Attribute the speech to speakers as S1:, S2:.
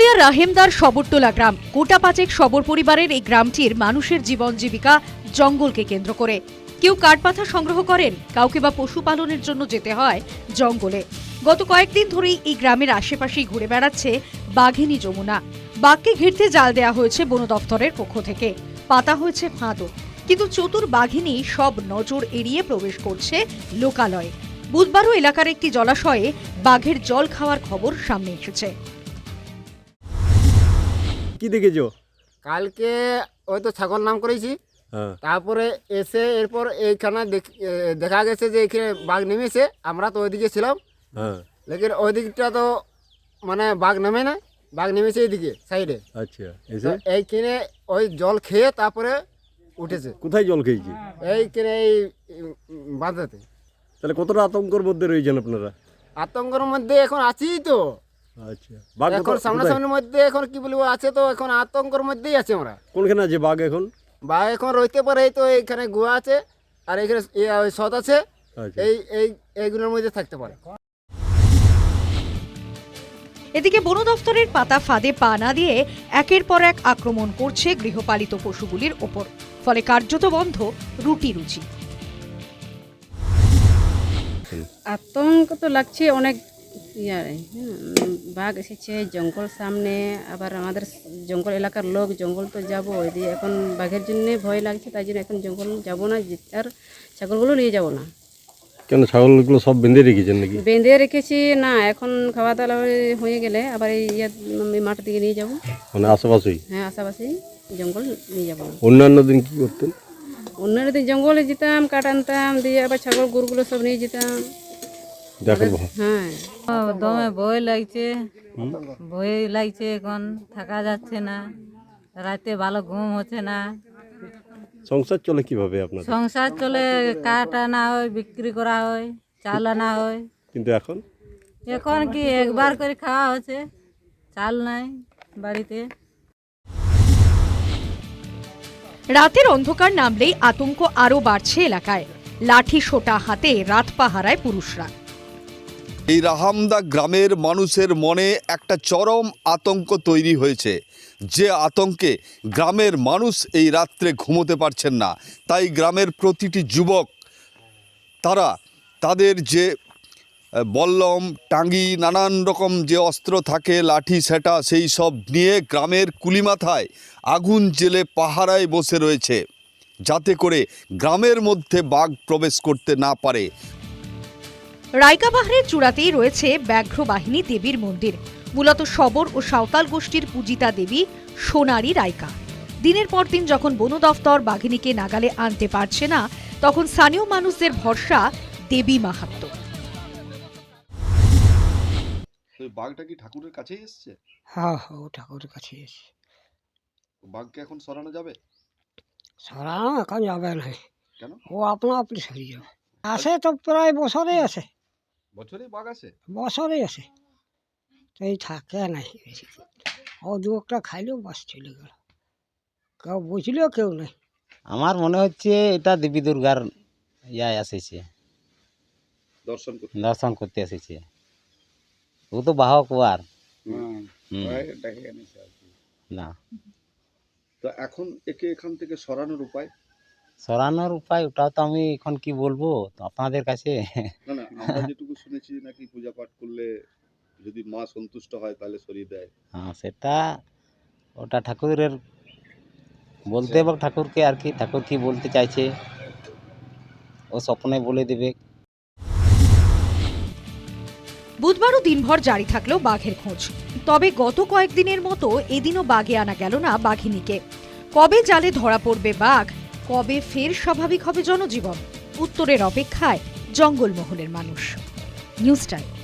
S1: পুরুলিয়ার রাহেমদার শবরতলা গ্রাম গোটা পাঁচেক শবর পরিবারের এই গ্রামটির মানুষের জীবন জীবিকা জঙ্গলকে কেন্দ্র করে। কেউ কাঠপাথা সংগ্রহ করেন, কাউকে বা পশুপালনের জন্য যেতে হয় জঙ্গলে। গত কয়েকদিন ধরেই এই গ্রামের আশেপাশেই ঘুরে বেড়াচ্ছে বাঘিনী যমুনা। বাঘকে ঘিরতে জাল দেওয়া হয়েছে বন দফতরের পক্ষ থেকে, পাতা হয়েছে ফাঁদও, কিন্তু চতুর বাঘিনী সব নজর এড়িয়ে প্রবেশ করছে লোকালয়ে। বুধবারও এলাকার একটি জলাশয়ে বাঘের জল খাওয়ার খবর সামনে এসেছে।
S2: কি দেখেছো?
S3: কালকে ওই তো ছাগল নাম করেছি, তারপরে এসে এরপর এইখানে দেখা গেছে যে এখানে বাঘ নেমেছে। আমরা তো ওইদিকে ছিলাম, লেকিন ওই দিকটা তো মানে বাঘ নামে না, বাঘ নেমেছে এইদিকে সাইডে।
S2: আচ্ছা,
S3: এইখানে ওই জল খেয়ে তারপরে উঠেছে।
S2: কোথায় জল খেয়েছি?
S3: এইখানে এই বাঁধাতে।
S2: তাহলে কতটা আতঙ্কের মধ্যে রয়েছেন আপনারা?
S3: আতঙ্কের মধ্যে এখন আছি তো।
S2: আচ্ছা,
S3: এখন সামনাসামনির মধ্যে এখন কি বলবো আছে তো, এখন আতঙ্কের মধ্যেই আছি আমরা।
S2: কোনখানে আছে বাঘ এখন?
S3: বাঘ এখন রইতে পারে, এই তো এইখানে গুহা আছে আর এখানে সৎ আছে, এইগুলোর মধ্যে থাকতে পারে।
S1: এদিকে বন দফতরের পাতা ফাঁদে পা না দিয়ে একের পর এক আক্রমণ করছে গৃহপালিত পশুগুলির ওপর, ফলে কার্যত বন্ধ রুটি রুচি।
S4: আতঙ্ক তো লাগছে অনেক। বাঘ এসেছে জঙ্গল সামনে, আবার আমাদের জঙ্গল এলাকার লোক, জঙ্গল তো যাবো, এদিকে এখন বাঘের জন্য ভয় লাগছে, তাই জন্য এখন জঙ্গল যাবো না, আর ছাগলগুলো নিয়ে যাবো না।
S2: কেন ছাগলগুলো সব বেঁধে রেখেছেন নাকি?
S4: বেঁধে রেখেছি না, এখন খাওয়া দাওয়া হয়ে গেলে আবার এই মাঠ দিকে নিয়ে যাবো।
S2: মানে আশেপাশেই?
S4: হ্যাঁ, আশেপাশেই জঙ্গল নিয়ে যাবো।
S2: অন্যান্য দিন কি করতেন?
S4: অন্যান্য দিন জঙ্গলে যেতাম, কাঠ আনতাম, দিয়ে আবার ছাগল গরুগুলো সব নিয়ে যেতাম। হ্যাঁ,
S5: দমে ভয় লাগছে, এখন থাকা যাচ্ছে না, রাতে ভালো ঘুম হচ্ছে না।
S2: সংসার চলে কিভাবে আপনার?
S5: সংসার চলে, কাঠ আনা হয়, বিক্রি করা হয়, চাল আনা হয়।
S2: কিন্তু এখন
S5: কি একবার করে খাওয়া হচ্ছে, চাল নাই বাড়িতে।
S1: রাতের অন্ধকার নামলেই আতঙ্ক আরো বাড়ছে এলাকায়। লাঠি সোটা হাতে রাত পাহারায় পুরুষরা।
S6: এই রাহামদা গ্রামের মানুষের মনে একটা চরম আতঙ্ক তৈরি হয়েছে, যে আতঙ্কে গ্রামের মানুষ এই রাত্রে ঘুমোতে পারছেন না। তাই গ্রামের প্রতিটি যুবক তারা তাদের যে বল্লম, টাঙ্গি, নানান রকম যে অস্ত্র থাকে, লাঠি সেটা, সেই সব নিয়ে গ্রামের কুলিমাথায় আগুন জেলে পাহারায় বসে রয়েছে, যাতে করে গ্রামের মধ্যে বাঘ প্রবেশ করতে না পারে।
S1: রাইকা পাহাড়ের চূড়াতেই রয়েছে ব্যাঘ্র বাহিনী দেবীর মন্দির, মূলত শবর ও সাঁওতাল গোষ্ঠীর পূজিতা দেবী সোনারী রাইকা। দিনের পর দিন যখন বন দফতর বাঘিনীকে নাগালে আনতে পারছে না, তখন স্থানীয় মানুষদের ভরসা দেবী মাহাত্ম্য।
S6: বাঘটা কি ঠাকুরের কাছেই এসছে?
S7: হ্যাঁ, ও ঠাকুরের কাছে এসছে।
S6: বাঘকে এখন সরানো যাবে?
S7: সরানো এখন যাবে না।
S6: কেন?
S7: ও আপনা আপনি সরিয়ে যাবে। আসে তো প্রায় বছরেই আসে।
S6: বছরে বাঘ আসে?
S7: বছরেই আসে, তো এই থাকে নাই বেশি। ও দু একটা খাইলেও বাস চলে গেল, কেউ বুঝলেও কেউ নেই।
S8: আমার মনে হচ্ছে এটা দেবী দুর্গার এসেছে, দর্শন করতে এসেছে। ও তো বাহক আর না।
S6: তো এখন একে এখান থেকে সরানোর উপায়?
S8: সরানোর উপায় ওটাও তো আমি এখন কি বলবো তো আপনাদের কাছে।
S6: না না, আমরা যেটুকু শুনেছি নাকি পূজা পাঠ করলে যদি মা সন্তুষ্ট হয় তাহলে সরিয়ে দেয়।
S8: হ্যাঁ, সেটা ওটা ঠাকুরের বলতে এবং ঠাকুরকে আর কি, ঠাকুর কি বলতে চাইছে ও স্বপ্নে বলে দেবে।
S1: বুধবারও দিনভর জারি থাকলেও বাঘের খোঁজ। তবে গত কয়েকদিনের মতো এদিনও বাঘে আনা গেল না বাঘিনীকে। কবে জালে ধরা পড়বে বাঘ, কবে ফের স্বাভাবিক হবে জনজীবন, উত্তরের অপেক্ষায় জঙ্গলমহলের মানুষ। News time.